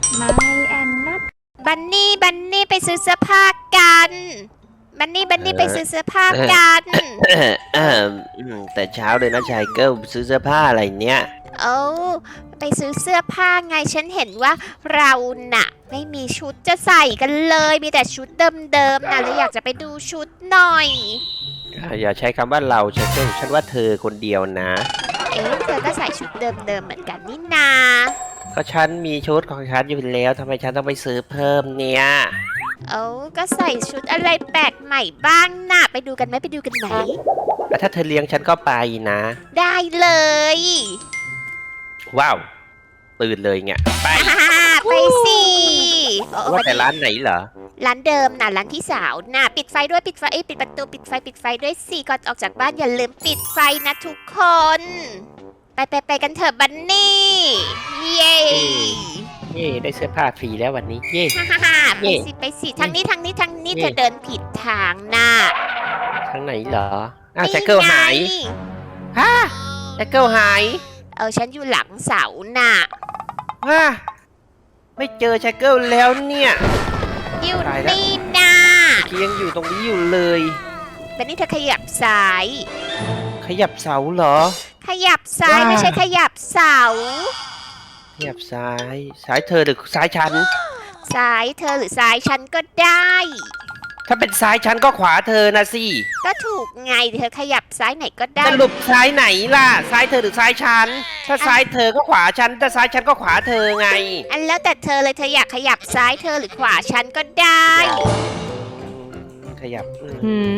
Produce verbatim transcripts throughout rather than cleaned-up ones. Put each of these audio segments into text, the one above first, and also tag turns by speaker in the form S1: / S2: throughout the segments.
S1: ไม่แอนนัท
S2: บันนี่บันนี่ไปซื้อเสื้อผ้ากันบันนี่บันนี่ไปซื้อเสื้อผ้ากัน
S3: แต่เช้าเลยนะชายเกิลซื้อเสื้อผ้าอะไรเนี้ย
S2: เอ้าไปซื้อเสื้อผ้าไงฉันเห็นว่าเราน่ะไม่มีชุดจะใส่กันเลยมีแต่ชุดเดิมๆนะเลยอยากจะไปดูชุดหน่อย
S3: อย่าใช้คำว่าเราชายเกิลฉันว่าเธอคนเดียวนะ
S2: เอ๊ะเธอก็ใส่ชุดเดิมๆเหมือนกันนี่นา
S3: ก็ฉันมีชุดของฉันอยู่แล้วทำไมฉันต้องไปซื้อเพิ่มเนี่ย
S2: เอ้าก็ใส่ชุดอะไรแปลกใหม่บ้างน่ะไปดูกันไหมไปดูกันไหม
S3: ถ้าเธอเลี้ยงฉันก็ไปนะ
S2: ได้เลย
S3: ว้าวตื่นเลยเนี่ยไป
S2: ไปสิ
S3: ว่าแต่ร้านไหนเหรอ
S2: ร้านเดิมน่ะร้านพี่สาวน่ะปิดไฟด้วยปิดไฟเอ้ยปิดประตูปิดไฟปิดไฟด้วยสิก่อนออกจากบ้านอย่าลืมปิดไฟนะทุกคนไปไปไปกันเถอะบันนี่เย้
S3: เย่ได้เสื้อผ้าฟรีแล้ววันนี้เย่
S2: ฮ่าฮ่าไปสิไปสิทางนี้ทางนี้ทางนี้เธอเดินผิดทางน่ะ
S3: ทางไหนเหรออ้าวแจ็คเกิลหายฮะแจ็คเกิลหาย
S2: เออฉันอยู่หลังเสาน่ะ
S3: ว้าไม่เจอแจ็คเกิลแล้วเนี่ย
S2: อยู่นี่น่ะ
S3: ยังอยู่ตรงนี้อยู่เลย
S2: บันนี่เธอขยับซ้าย
S3: ขยับเสาเหรอ
S2: ขยับซ้ายไม่ใช่ขยับเสา
S3: ขยับซ้ายซ้ายเธอหรือซ้ายฉัน
S2: ซ้ายเธอหรือซ้ายฉันก็ได้
S3: ถ้าเป็นซ้ายฉันก็ขวาเธอนะสิ
S2: ก็ถูกไงเธอขยับซ้ายไหนก็ได้
S3: สรุปซ้ายไหนล่ะซ้ายเธอหรือซ้ายฉันถ้าซ้ายเธอก็ขวาฉันถ้าซ้ายฉันก็ขวาเธอไง
S2: อันแล้วแต่เธอเลยเธออยากขยับซ้ายเธอหรือขวาฉันก็ได้
S3: ขยับ
S1: หืม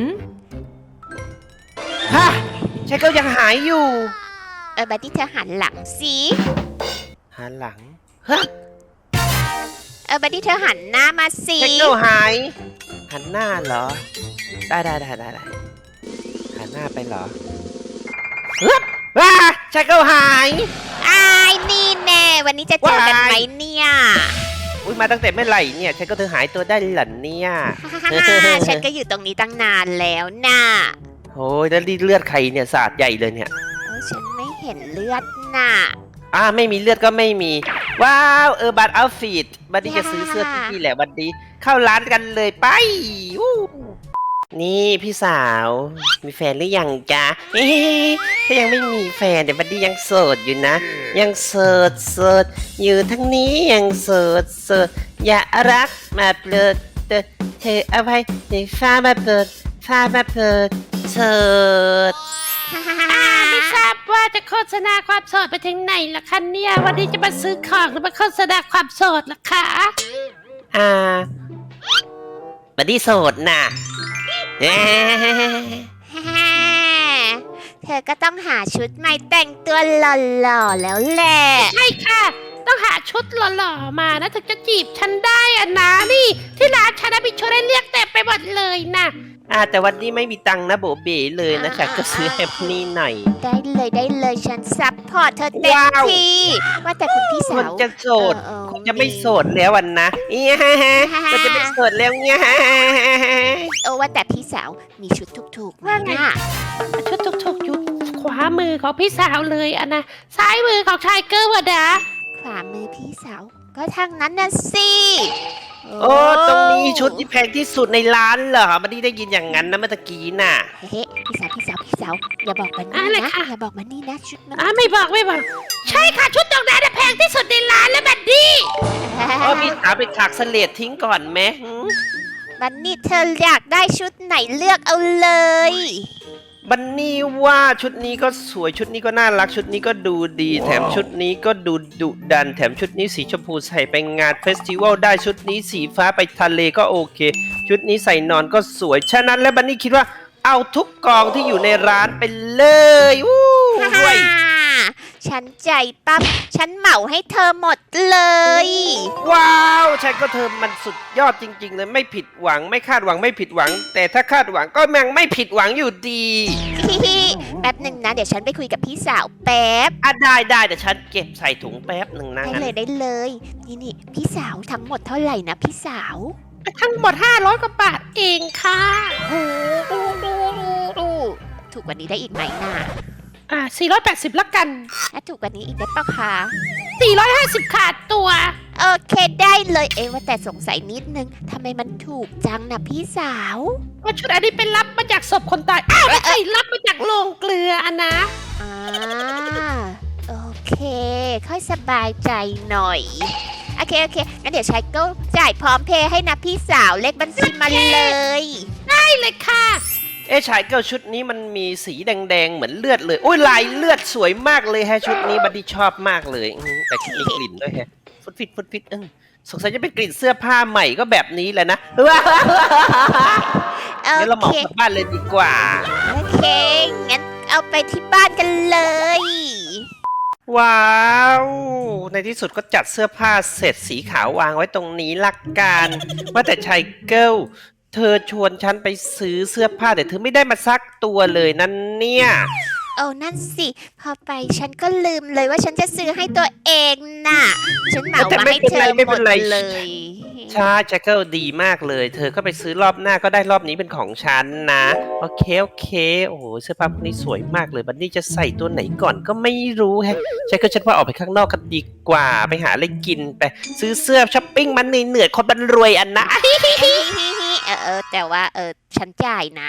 S3: ฮะใช่ก็ยังหายอยู่
S2: เออบัดดี้เธอหันหลังสิ
S3: หันหลังฮะ
S2: เออบัดดี้เธอหันหน้ามาสิ
S3: ใช่ก็หายหันหน้าเหรอได้ได้ได้ได้หันหน้าไปเหรอฮึบว้าใช่ก็หาย
S2: อ้ายนี่แน่วันนี้จะเจอกันไหมเนี่ย
S3: อุ้ยมาตั้งแต่เมื่อไหร่เนี่ยฉันก็เธอหายตัวได้หล่ะเนี่ย
S2: ฉันก็อยู่ตรงนี้ตั้งนานแล้วน่ะ
S3: โอ้ยแล้วเลือดใครเนี่ยสาดใหญ่เลยเนี่ย
S2: เออฉันไม่เห็นเลือดน่ะ
S3: อ่าไม่มีเลือดก็ไม่มีว้าวเออบัตรเอาฟิตบัดดี้จะซื้อเสื้อที่แหละบัดดี้เข้าร้านกันเลยไปนี่พี่สาวมีแฟนหรือยังจ๊ะถ้ายังไม่มีแฟนเดี๋ยวบัดดี้ยังโสดอยู่นะยังโสดโสดอยู่ทั้งนี้ยังโสดโสดอย่ารักมาเปิดเธอเอาไว้ในฟ้ามาเปิดฟ้ามาเปิดโสด
S4: ไม่ทราบว่าจะโฆษณาความโสดไปถึงไหนล่ะคะเนี่ยวันนี้จะมาซื้อของหรือมาโฆษณาความโสดล่ะคะ
S3: อ่าบัดดี้โสดน่ะ
S2: เธอก็ต้องหาชุดใหม่แต่งตัวหล่อๆแล้วแหละ
S4: ใช่ค่ะต้องหาชุดหล่อๆมานะถึงจะจีบฉันได้อะนะนี่ที่ร้านฉันมีชุดให้เลือกเต็มไปหมดเลยนะ
S3: อ่าแต่วันนี้ไม่มีตังค์นะโบเบ๋เลยนะฉันก็ซื้อแฮปนี่หน่อย
S2: ได้เลยได้เลยฉันซัพพอร์ตเธอเต็มที่ว่าแต่คุณพี่สาว
S3: จะโสดคงจะไม่โสดแล้ววันนะเอ๊ะมันจะไม่โสดแล้วเนี่ย
S2: โอ้ว่าแต่พี่สาวมีชุดถูกๆว่าไง
S4: ชุดถูกๆอยู่ขวามือของพี่สาวเลยอะนะซ้ายมือของชายเกิร์ลวะดา
S2: ขวามือพี่สาวก็ทางนั้นน่ะสิ
S3: โอ้ตรงนี้ชุดที่แพงที่สุดในร้านเหรอไม่ได้ได้ยินอย่างนั้นนะเมื่อกี้น่ะ
S2: เฮ้พี่สาวพี่สาวพี่สาวอย่าบอกมันนี่นะอย่าบอกมันนี่นะชุดมัน
S4: อ่ะไม่บอกไม่บอกใช่ค่ะชุดตรงนั้นแพงที่สุดในร้านแล้วบัดดี้
S3: โอ้พี่สาวไปถักเสลดทิ้งก่อนไหม
S2: บันนี่เธออยากได้ชุดไหนเลือกเอาเลย
S3: บันนี่ว่าชุดนี้ก็สวยชุดนี้ก็น่ารักชุดนี้ก็ดูดีแถมชุดนี้ก็ดูดุดันแถมชุดนี้สีชมพูใส่ไปงานเฟสติวัลได้ชุดนี้สีฟ้าไปทะเลก็โอเคชุดนี้ใส่นอนก็สวยฉะนั้นแล้วบันนี่คิดว่าเอาทุกกองที่อยู่ในร้านไปเลยอู้ย
S2: ฉันใจปั๊บฉันเหมาให้เธอหมดเลย
S3: ว้าวฉันก็เธอมันสุดยอดจริงๆเลยไม่ผิดหวังไม่คาดหวังไม่ผิดหวังแต่ถ้าคาดหวังก็ยังไม่ผิดหวังอยู่ดี
S2: แป๊บหนึ่งนะเดี๋ยวฉันไปคุยกับพี่สาวแป๊บ
S3: อ่ะได้ได้เดี๋ยวฉันเก็บใส่ถุงแป๊บหนึ่งนะ
S2: ได้เลยได้เลยนี่นี่พี่สาวทั้งหมดเท่าไหร่นะพี่สาว
S4: ทั้งหมดห้าร้อยกว่าบาทเองค่ะ
S2: โอ้ดูดูดูดูถูกกว่านี้ได้อีกไหมน่ะ
S4: อ่าสี่ร้อยแปดสิบละกัน
S2: ถ้าถูกกว่านี้อีกได้ปะคะ
S4: สี่ร้อยห้าสิบขาดตัว
S2: โอเคได้เลย เอ๊ะว่าแต่สงสัยนิดนึงทำไมมันถูกจังนะพี่สาว
S4: ว่าชุดอันนี้เป็นรับมาจากศพคนตาย อ้าวไม่ใช่รับมาจากโรงเกลืออันนะ
S2: อ่าโอเค ค่อยสบายใจหน่อย โอเค โอเคงั้นเดี๋ยวชายก็จ่ายพร้อมเพย์ให้นะพี่สาวเลขบัญชีมาเลย
S4: ได้เลยค่ะ
S3: เอ๊ะชายเกิลชุดนี้มันมีสีแดงๆเหมือนเลือดเลยโอ้ยลายเลือดสวยมากเลยแฮะชุดนี้บัดดี้ชอบมากเลยอืมแต่มีกลิ่นด้วยแฮะฟุตฟิตฟุตฟิตเออสงสัยจะเป็นกลิ่นเสื้อผ้าใหม่ก็แบบนี้แหละนะ
S2: โอ
S3: งั้นเราเหมา
S2: เค
S3: กลับบ้านเลยดีกว่า
S2: โอเค งั้นเอาไปที่บ้านกันเลย
S3: ว้าว ในที่สุดก็จัดเสื้อผ้าเสร็จสีขาววางไว้ตรงนี้ลักกันว่าแต่ชายเกิลเธอชวนฉันไปซื้อเสื้อผ้าแต่เธอไม่ได้มาซักตัวเลยนั่นเนี่ย
S2: โอ้นั่นสิ พอไปฉันก็ลืมเลยว่าฉันจะซื้อให้ตัวเองน่ะ ฉันเหมามาให้เธอหมดเลย
S3: ใช่ชายเกิลดีมากเลย เธอก็ไปซื้อรอบหน้าก็ได้รอบนี้เป็นของฉันนะโอเคโอเคโอ้โหเสื้อผ้าพวกนี้สวยมากเลยบันนี่จะใส่ตัวไหนก่อนก็ไม่รู้แฮะชายเกิลฉันว่าออกไปข้างนอกกันดีกว่าไปหาอะไรกินไปซื้อเสื้อช้อปปิ้งมันเหนื่อยๆคนบันรวยอันนะ
S2: เออเออแต่ว่าเออฉันจ่ายนะ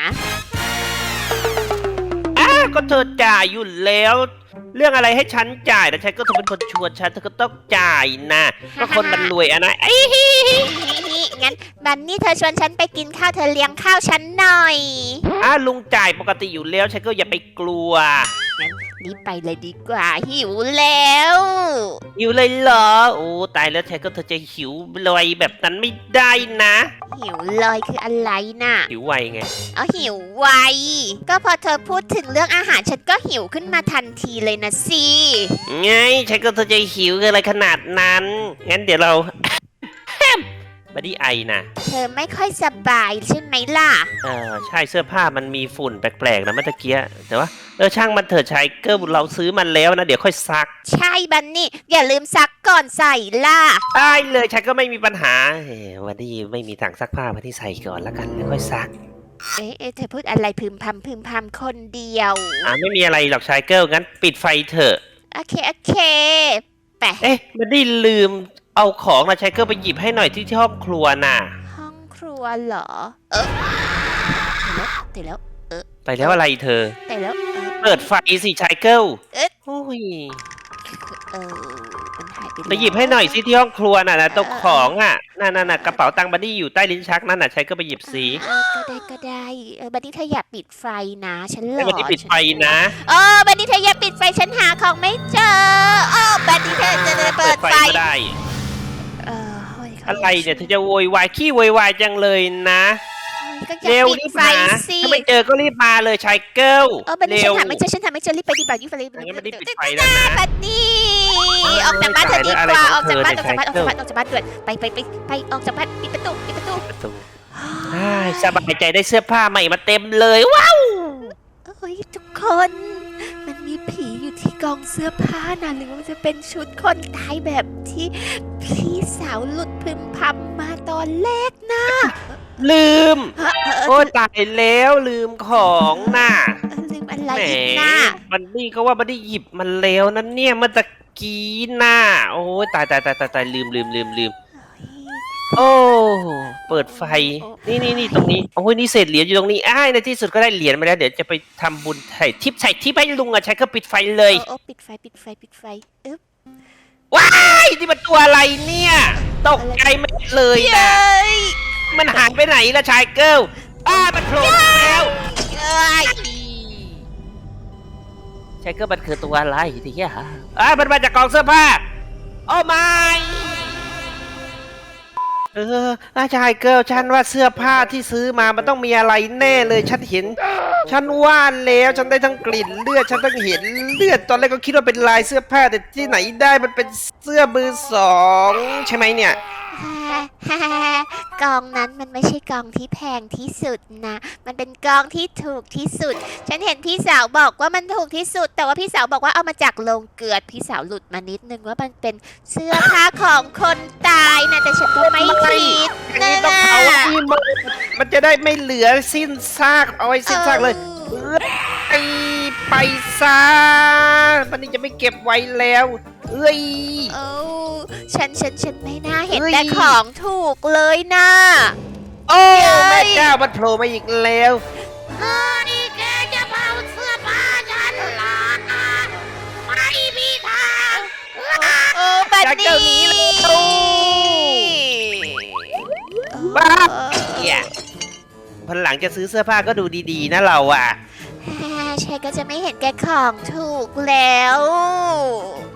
S3: อ้าก็เธอจ่ายอยู่แล้ว เรื่องอะไรให้ฉันจ่ายแต่ฉันก็เธอเป็นคนชวนฉันเธอก็ต้องจ่ายนะก็คนมันรวยอะนะไอ้
S2: งั้นบันนี่เธอชวนฉันไปกินข้าวเธอเลี้ยงข้าวฉันหน่อย
S3: อ้าลุงจ่ายปกติอยู่แล้วฉันก็อย่าไปกลัว
S2: รีบไปเลยดีกว่าหิวแล้ว
S3: หิวเลยเหรอโอ้ตายแล้วฉันก็เธอจะหิวลอยแบบนั้นไม่ได้นะ
S2: หิวลอยคืออะไรน่ะ
S3: หิวไวไง
S2: เอาหิวไว ก็พอเธอพูดถึงเรื่องอาหารฉันก็หิวขึ้นมาทันทีเลยนะสิ
S3: ไงฉันก็เธอจะหิวอะไรขนาดนั้นงั้นเดี๋ยวเรา บัดดี้ไอนะ
S2: เธอไม่ค่อยสบายใช่ไหมล่ะ
S3: เออใช่เสื้อผ้ามันมีฝุ่นแปลกๆนะเมื่อตะเกียแต่ว่าเออช่างมันเถอะชายเกิลเราซื้อมันแล้วนะเดี๋ยวค่อยซัก
S2: ใช่บันนี่ อย่าลืมซักก่อนใส่ล่ะ
S3: ได้เลยฉันก็ไม่มีปัญหาเฮ้วันนี้ไม่มีถังซักผ้าวันนี้ใส่ก่อนแล้วกันแล้วค่อยซัก
S2: เอ๊ะเอ๊ะเธอพูดอะไรพึมพำพึมพำคนเดียว
S3: อ่าไม่มีอะไรหรอกชายเกิลงั้นปิดไฟเถอะ
S2: โอเค โอเคไป
S3: เอ๊ะมันได้ลืมเอาของนะชายเกิลไปหยิบให้หน่อยที่ที่ห้องครัวน่ะ
S2: ห้องครัวเหรอ เออแต่แล้ว
S3: ไปแล้วอะไรเธอ
S2: แต่แล้วเออ
S3: เปิดไฟสิชายเกิล
S2: เอ๊ะ
S3: โอ้ย
S2: เออมันหายไป
S3: ไปหยิบให้หน่อยสิที่ห้องครัวน่ะนะตกของอ่ะนั่นน่ะกระเป๋าตังค์บัดดี้อยู่ใต้ลิ้นชักนั่นน่ะชายเกิลไปหยิบสิ
S2: เออก็ได้ก็ได้เออบันนี่เธออย่าปิดไฟนะ ฉันหล
S3: ให้
S2: อ
S3: บัดดี้ปิดไฟนะ
S2: เออบันนี่เธออย่าปิดไฟฉันหาของไม่เจอเออบันนี่เธอจะได้เปิดไฟ
S3: ก็ได้
S2: เออโอ้ยขา
S3: อะไรเนี่ยเธอจะโวยวายขี้โวยวายจังเลยนะ
S2: ก็อย่า
S3: เร็ว
S2: ปิด
S3: รีบ
S2: ไฟ
S3: หา
S2: สิ
S3: ถ้าไม่เจอก็รีบมาเลยชายเกิล
S2: เออบันนี่
S3: เร็
S2: ฉัน
S3: ว
S2: หาไม่เจอฉันหาไม่เจอรีบไปดีกว่ารีบไปรีบไป
S3: งั้นบัดดี้ปิดไฟแล้วนะ
S2: บันนี่ออกจากบ้านเธอดีกว่าออกจากบ้านออกจากบ้านออกจากบ้านออกจากบ้านด่วนไปไปไปไปออกจากบ้านปิดประตูปิดประตู
S3: ประตูอ้ายสบายใจได้เสื้อผ้าใหม่มาเต็มเลยว้าว
S2: เฮ้ยทุกคน มันมีผีอยู่ที่กองเสื้อผ้านะหรือว่ามันจะเป็นชุดคนตายแบบที่พี่สาวหลุดพึมพำมาตอนแรกนะ
S3: ลืม
S2: เออเออเอ
S3: โอ้
S2: อ
S3: ตายแล้วลืมของน่ะ
S2: เออลืมอะไร
S3: แหม
S2: อีกนะ
S3: บันนี่ก็ว่าบันนี่หยิบมันแล้วนั่นเนี่ยเมื่อตะกี้น่ะโอ้ยตายตายตายตายตายลืมลืมลืมลืมโอ้เปิดไฟ นี่นี่นี่ตรงนี้โอ้ยนี่เศษเหรียญอยู่ตรงนี้อ้ายในที่สุดก็ได้เหรียญมาแล้วเดี๋ยวจะไปทำบุญใส่ทิปใส่ทิปให้ลุงอ่ะใช้ก็ปิดไฟเลย
S2: โอ้โอ้ปิดไฟปิดไฟปิดไฟอึ๊บ
S3: ว้ายนี่มันตัวอะไรเนี่ย ตกใจไม่เลย
S2: เย้
S3: นะ
S2: ย
S3: มันหายไปไหนล่ะชายเกิลอ้ามันโผล่มาแล้ว
S2: เอ้ย
S3: ชายเกิลมันคือตัวอะไรทีเนี้ยฮะอ้ามันมาจากกองเสื้อผ้าโอ้ไม่เอออาชายเกิลฉันว่าเสื้อผ้าที่ซื้อมามันต้องมีอะไรแน่เลยฉันเห็น ฉันว่าแล้วฉันได้ทั้งกลิ่นเลือดฉันต้องเห็นเลือดตอนแรกก็คิดว่าเป็นลายเสื้อผ้าแต่ที่ไหนได้มันเป็นเสื้อมือสองใช่ไหมเนี่ย
S2: ฮ่าฮ่าฮ่ากองนั้นมันไม่ใช่กองที่แพงที่สุดนะ มันเป็นกองที่ถูกที่สุด ฉันเห็นพี่สาวบอกว่ามันถูกที่สุด แต่ว่าพี่สาวบอกว่าเอามาจากโรงเกลือพี่สาวหลุดมานิดนึงว่ามันเป็นเสื้อผ้าของคนตายนะแต่ฉันก็ไม่คิด
S3: อันนี้ต้องเอาที่มันมันจะได้ไม่เหลือสิ้นซากเอาไว้สิ้นซากเลยไอไปซะมันนี่จะไม่เก็บไว้แล้วเอ้ย
S2: เอ้าฉันฉันฉันไม่น่าเห็น
S3: เฮ้ย
S2: แต่ของถูกเลยนะ
S3: โอ้
S2: เย้ย
S3: แม่เจ้ามันโผล่มาอีกแล้ว
S4: เฮ้ยแกจะเผาเสื้อผ้าฉันเหรอไม่มีทาง
S2: โอ้บัน
S3: จาก
S2: นี่
S3: เจ้าหนี้เลย บ้า เหี้ยพันหลังจะซื้อเสื้อผ้าก็ดูดีๆนะเราอ่ะ
S2: แฮฉันก็จะไม่เห็นแกของถูกแล้ว